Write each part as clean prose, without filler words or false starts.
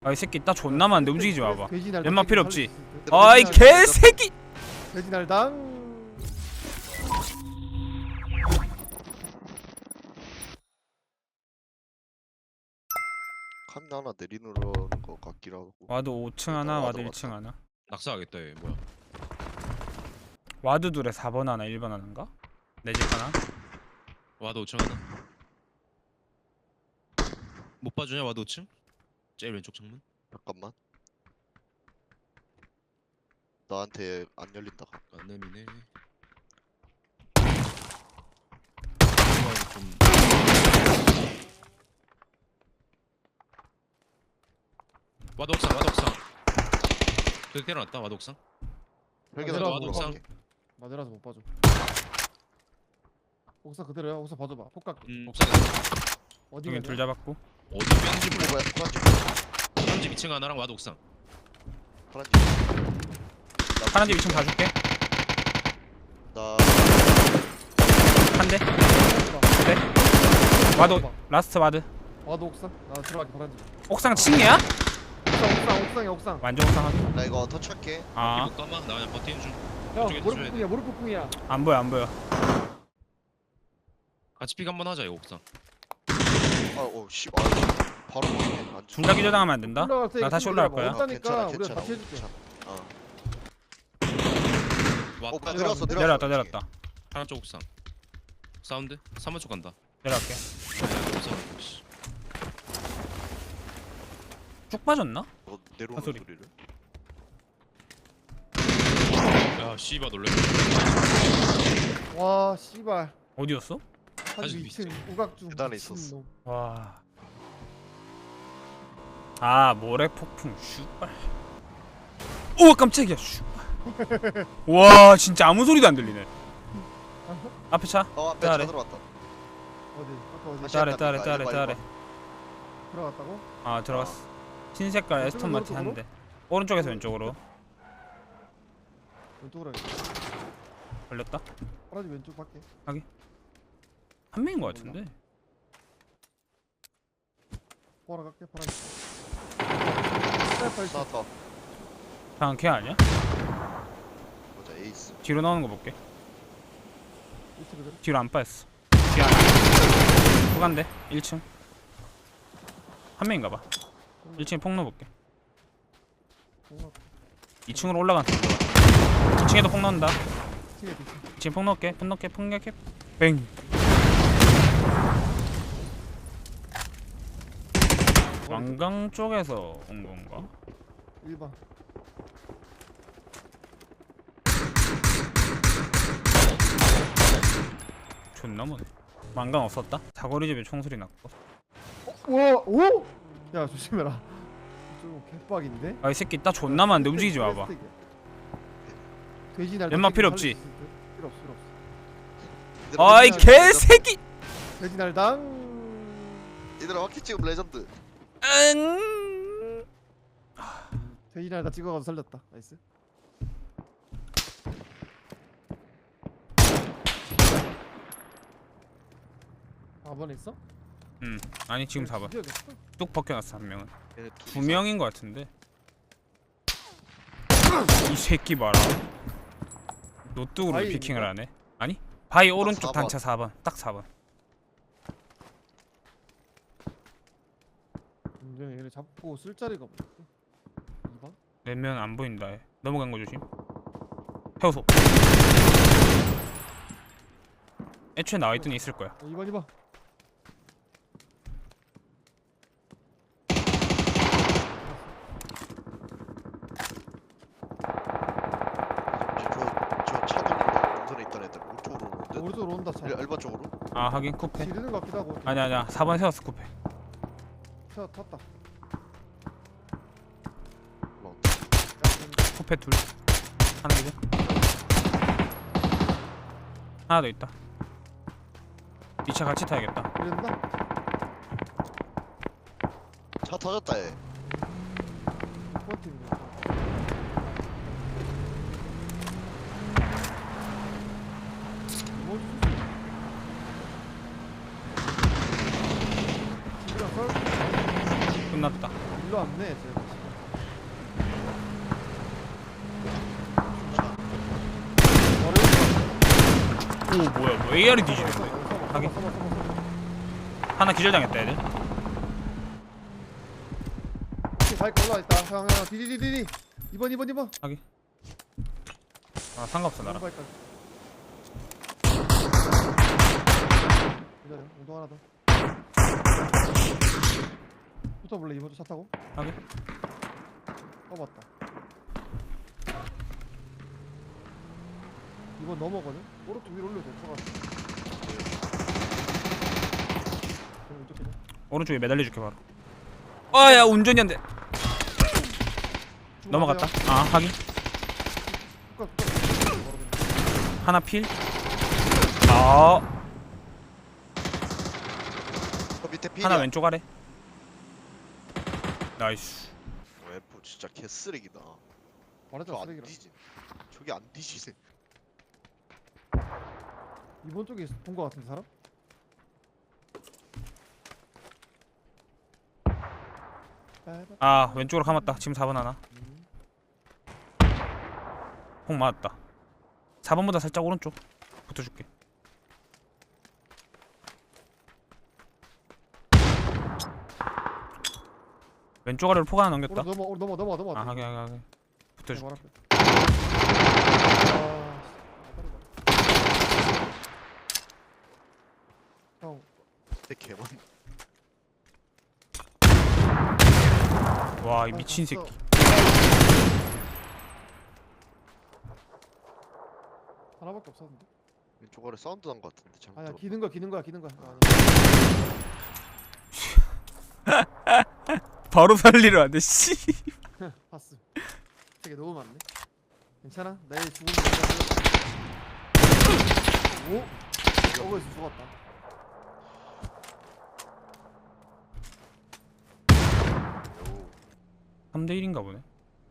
아 이 새끼 나 존나 많은데 움직이지 마봐. 돼지날 연막 필요 없지. 당. 아이 개새끼. 돼지날당. 카민 하나 내리는 거 같기도 하고. 와드 5층 하나, 와드 와드 1층 하나. 낙사하겠다 얘 뭐야. 와드 둘에 4번 하나, 1번 하나인가? 내 집 하나. 와드 5층 하나. 못 봐주냐 와드 5층? 제일 왼쪽 창문. 잠깐만. 나한테 안 열린다. 안 내미네. 좀 와드 옥상 와드 옥상. 그렇게 때려놨다 와드 옥상. 헬기다 내려와, 보러 옥상. 갈게. 맞으라서 못 봐줘. 옥상 그대로야. 옥상 봐줘봐. 폭각. 옥상에 어디 여기 가냐? 둘 잡았고. 어디 뺀지 어, 몰라. 뭐야? 파란집. 편집 2층 하나랑 와드 옥상. 파란집. 파란 집 2층 봐줄게. 나 한 대. 와드 라스트 와드. 와도 옥상. 나 들어갈게. 파란집. 옥상 층이야? 옥상에 옥상. 완전 옥상 하기. 나 이거 터치할게. 아, 못 감아. 나 그냥 버티는 중. 형 이쪽에서 모르 줘야 폭풍이야. 모르 폭풍이야. 안 보여, 안 보여. 같이 픽 한번 하자 이거 옥상. 씨. 아, 씨. 바로 보이네. 안 둘 다 기절당하면 안 된다. 올라갈 때 나 다시 기다려봐. 올라갈 거야. 없다니까 우리가 같이 해줄게. 어. 와 뭐야, 내려왔어. 내려왔다, 내려왔다. 하나 쪽 옥상. 사운드 3번 쪽 간다. 내려갈게. 옥상. 씨. 쭉 빠졌나? 너 내려오는 아, 소리. 소리를. 야 씨바 놀래. 와 씨발. 어디였어? 한 아직 2층 우각중. 계단에 미친놈. 있었어. 와. 아, 모래 폭풍. 슈발. 오, 깜짝이야. 슈발. 와, 진짜 아무 소리도 안 들리네. 앞에 차. 앞에 아래. 차 들어왔다. 어디? 아까 어디? 다시 따래, 한다, 따래, 이거, 따래, 이거, 따래. 들어갔다고? 아, 들어갔어. 흰 색깔 에스턴 마틴 한 대. 오른쪽에서 왼쪽으로 왼쪽으로 해. 걸렸다. 파란집 왼쪽 밖에. 한 명인 것 같은데. 보러 갈게. 파란집. 스나이퍼 있어. 나왔다. 방금 걔 아니야? 보자. 에이스. 뒤로 나오는 거 볼게. 이트 그대로. 뒤로 안 빠졌어. 뒤 하나. 후간대 1층. 한 명인가 봐. 1층에 폭 넣어볼게. 2층으로 올라간다. 2층에도 폭 넣는다. 2층에 폭 넣을게. 폭 넣을게. 폭 넣을게. 뱅. 왕강 쪽에서 온 건가? 1번. 존나 머네. 왕강 없었다? 사거리 집에 총소리 났고. 오! 오! 야 조심해라. 좀 개빡인데? 아 이 새끼 나 존나 많은데 움직이지 마봐. 돼지날. 연막 필요 없지? 필요 없어. 필요 없어. 아이 개새끼. 돼지날당. 얘들아 화키 지금 레전드. 응. 돼지날 다 찍어가서 살렸다. 나이스. 아 번에 있어? 아니 지금 4번. 죽여야겠어. 뚝 벗겨놨어 한 명은. 얘네 두 명인 것 같은데. 이 새끼 봐라. 노뚝으로 바위 피킹을 있는가? 하네. 아니? 바위 오른쪽 4번. 단차 4번. 딱 4번. 얘네 잡고 쓸 자리가 없어. 2번? 내면 안 보인다. 해. 넘어간 거 조심. 해우소. 애초에 나와 있더니 있을 거야. 2번. 저차 돌린다. 동선에 있던 애들 오른쪽으로 오는데. 오른쪽으로 온다 차. 일반 쪽으로. 아 하긴 쿠페. 지르는 것 같기도 하고. 아니야 4번 세웠어 쿠페. 차 탔다. 올라온다. 쿠페 둘. 하나 이제. 하나 더 있다. 뒷차 같이 타야겠다. 이랬나? 차 터졌다 얘. 2번 팀이네. 집이랑 썰 끝났다. 일로 왔네 쟤. 오 뭐야 뭐 AR이 뒤지는 거야. 하긴. 하나 기절당했다 애들. 바이크 올라와 있다. 형 디디디디디. 2번. 아 상관없어 나랑. 바이크. 기다려. 운동 하나 더. 붙어볼래? 이번 차 타고? 하긴. 맞다. 이번 넘어거든? 오른쪽 위로 올려도 돼. 그럼 왼쪽 기자. 오른쪽에 매달려줄게 바로. 아야 운전이 안 돼. 넘어갔다. 아 하긴. 하나 필. 아 저 밑에 필이야. 하나 왼쪽 아래. 나이스. 웨포 진짜 개쓰레기다. 말하자 저안 쓰레기라. 뒤지. 저기 안 뒤지네. 이번 쪽에 본 거 같은데 사람? 아 왼쪽으로 감았다. 지금 4번 하나. 폭 맞았다. 4번보다 살짝 오른쪽 붙어줄게. 왼쪽 아래로 폭 하나 넘겼다. 넘어. 아 하게 붙어줄게. 형 내 개만. 와 이 미친 새끼. 하나밖에 없었는데. 왼쪽 아래 사운드 난 거 같은데. 잘못 아니야 들었나? 기는 거야. 바로 살리려 하네 씨. 봤어. 되게 너무 많네. 괜찮아? 내일 죽으면 오? 저거에서 죽었다. 요. 3대 1인가 보네.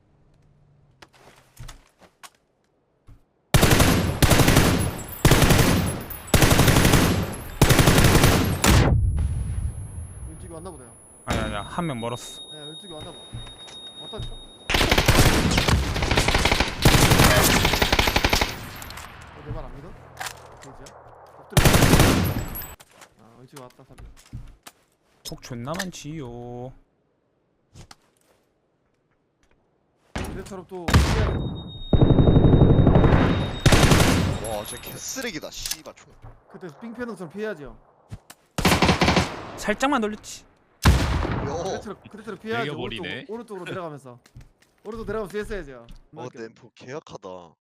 왼쪽이 왔나 보다. 아니야 한 명 멀었어. 네, 왼쪽이 왔나 봐. 왔다니까? 내 말 안 믿어? 돼지야? 엎드려. 아, 왼쪽이 왔다 사비. 폭 존나 많지요. 그래처럼 또 와, 쟤 개쓰레기다. 씨발 총. 그때 삥 패는 것처럼 피해야지요. 살짝만 돌렸지. 요. 그때처럼 피해야지. 내려버리네. 오른쪽으로 내려가면서. 오른쪽 내려가면서 했어야죠. 와, 내 엠포 개약하다.